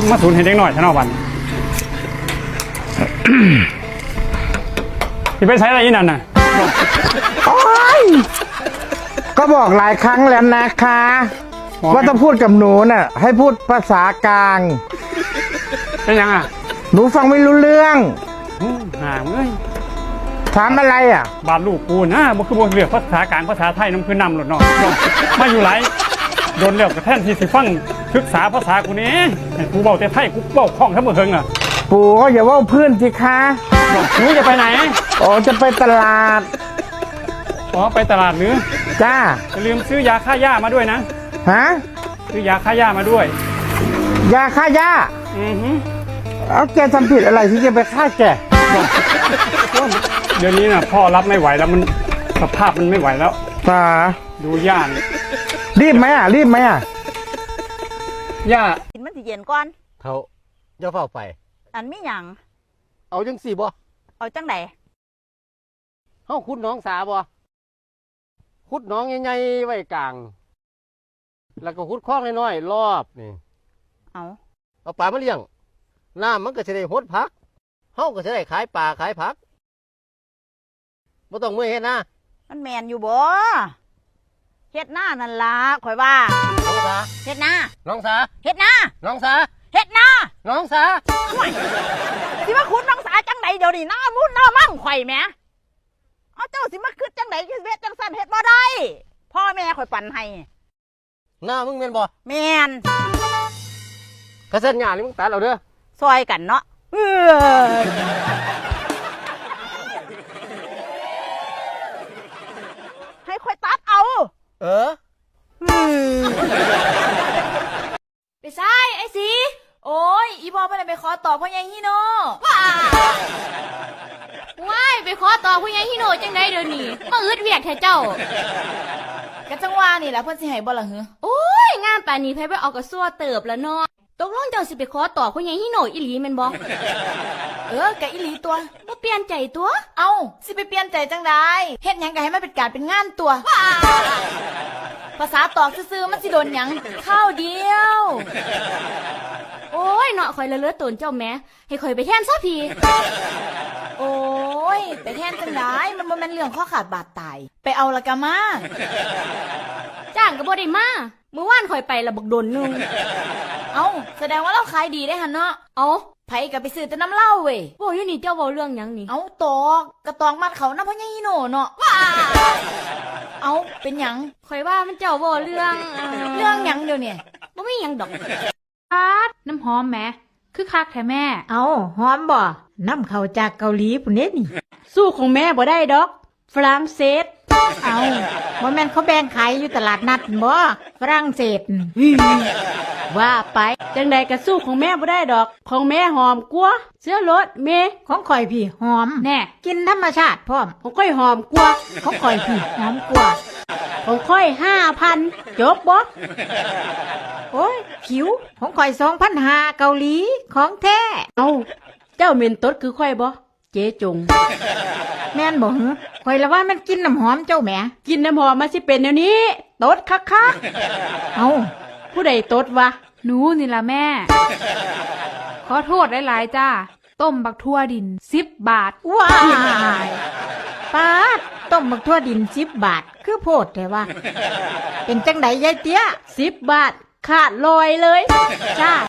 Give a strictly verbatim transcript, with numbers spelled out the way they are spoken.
มาสูนเห็นเด็กหน่อยชนะวันที่ไปใช้อะไรอีนั่นน่ะโอ้ยก็บอกหลายครั้งแล้วนะคะว่าต้องพูดกับหนูน่ะให้พูดภาษากลางเป็นยังอ่ะหนูฟังไม่รู้เรื่องห่างเอ้ยถามอะไรอ่ะบาดลูกกูนะมันคือบ่เลือกภาษากลางภาษาไทยน้ำคือนำหลดเนาะมาอยู่ไรโดนเลือกกระแทนที่สิฟังศึกษาภาษากูนี้กูเบาแต่ไทยกูเบาคล่องทั้งหมดเฮงอ่ะปู่ก็อย่าว่าเพื่อนสิคะหนูจะไปไหนอ๋อจะไปตลาดอ๋อไปตลาดหรือจ้าอย่าลืมซื้อยาฆ่าหญ้ามาด้วยนะฮะซื้อยาฆ่าหญ้ามาด้วยยาฆ่าหญ้าอือฮึเอาแกทำผิดอะไรที่จะไปฆ่าแกเดี๋ยวนี้น่ะพ่อรับไม่ไหวแล้วมันสภาพมันไม่ไหวแล้วตาดูย่ารีบไหมอ่ะรีบไหมอ่ะย่ากินมันสิเย็นก่อนเท่าอย่าเฝ้าไปอันมีหยังเอาจังสี่บ่เอาจังไดเฮาขุดน้องสาบ่ขุดน้องใหญ่ๆไว้กลางแล้วก็ขุดคลองน้อยๆรอบนี่เอาเอาปลามาเลี้ยงน้ำมันก็จะได้หดผักเฮาก็จะได้ขายปลาขายผักบ่ต้องมื้อเฮ็ดนะมันแม่นอยู่บ่เฮ็ดหน้านั่นล่ะข่อยว่าน้องสาเฮ็ดหน้าน้องสาเฮ็ดหน้าน้องสาเฮ็ดหน้าน้องสาสิมาขุดน้องสาจังไดเดี๋ยวนี้หน้ามุ่นหน้ามั่งข่อยแหมเอาเจ้าสิมาขึ้นจังไดเฮ็ดจังซั่นเฮ็ดบ่ได้พ่อแม่ข่อยปั่นให้หน้ามึงแม่นบ่แม่นกระเซ็นหญ้านี่มึงตัดเอาเด้อซอยกันเนาะเออให้ข่อยตัดเอาเออไปซ้ายไอ้สีโอ้ยอีบอลไปไหนไปขอต่อพ่อใหญ่ฮิโน่ว้ายไปขอต่อพ่อใหญ่ฮิโน่จังไดเดี๋ยวนี้มาอึดเวียกแท้เจ้ากะจังว่านี่แหละเพิ่นสิให้บ่ล่ะเหรอโอ้ยงานป่านนี้ไผไปเอากระซัวเติบแล้วเนาะตกลงเจ้าสิไปขอต่อพ่อใหญ่ฮิโน่อีหลีแม่นบ่เออกะอีหลีตัวบ่เปลี่ยนใจตัวเอ้าสิไปเปลี่ยนใจจังไดเฮ็ดหยังก็ให้มันเป็นการเป็นงานตัวภาษาตอกซื่อๆมันสิโดนหยังข้าวเดียวโอ้ยเนาะข่อยละเลือตนเจ้าแม่ให้ข่อยไปแทนซะพี่โอ้ยไปแทนจังไดมันบ่แม่นเรื่องข้อขาดบาดตายไปเอาละกะมาจ้างก็บ่ได้มาเมื่อวานข่อยไปละบักโดนนึงเอ้าแสดงว่าเราขายดีได้หั่นเนาะเอ้าไผก็ไปซื้อแต่น้ำเหล้าเว้ยโว้ยอยู่นี่เจ้าเว้าเรื่องหยังนี่เอ้าตอกกระตอกมัดเขานำพ่อใหญ่ฮิโน่เนาะเอาเป็นหยังข่อยว่ามันเจ้าเว้าเรื่องเรื่องหยังเดี๋ยวนี้บ่มีหยังดอกอาดน้ำหอมแหมคือคักแท้แม่เอาหอมบ่น้ำเข้าจากเกาหลีพุ่นเด้นี่สู้ของแม่บ่ได้ดอกฝรั่งเศสเอาบ่แม่นเขาแบ่งขายอยู่ตลาดนัดบ่ฝรั่งเศสว่าไปจังใดก็สู้ของแม่บ่ได้ดอกของแม่หอมกว่าเสื้อรถเมของข่อยพี่หอมแน่กินธรรมชาติพร้อมของค่อยหอมกว่าของข่อยพี่หอมกว่าของค่อย ห้าพัน จบบ่โอ้ยผิวของข่อย สองพันห้าร้อย เกาหลีของแท้เอ้าเจ้าเหม็นตดคือค่อยบ่เจ๊จงแม่นบ่หือข่อยละว่ามันกินน้ำหอมเจ้าแหมกินน้ำหอมมาสิเป็นแนวนี้ตดคักๆเอ้าผู้ใดตดวะหนูนี่ล่ะแม่ขอโทษหลายๆจ้าต้มบักทั่วดินสิบบาทว้ายป๊าดต้มบักทั่วดินสิบบาทคือโพดแต่ว่าเป็นจังได๋ยายเตี้ยสิบบาทขาดลอยเลยจ้า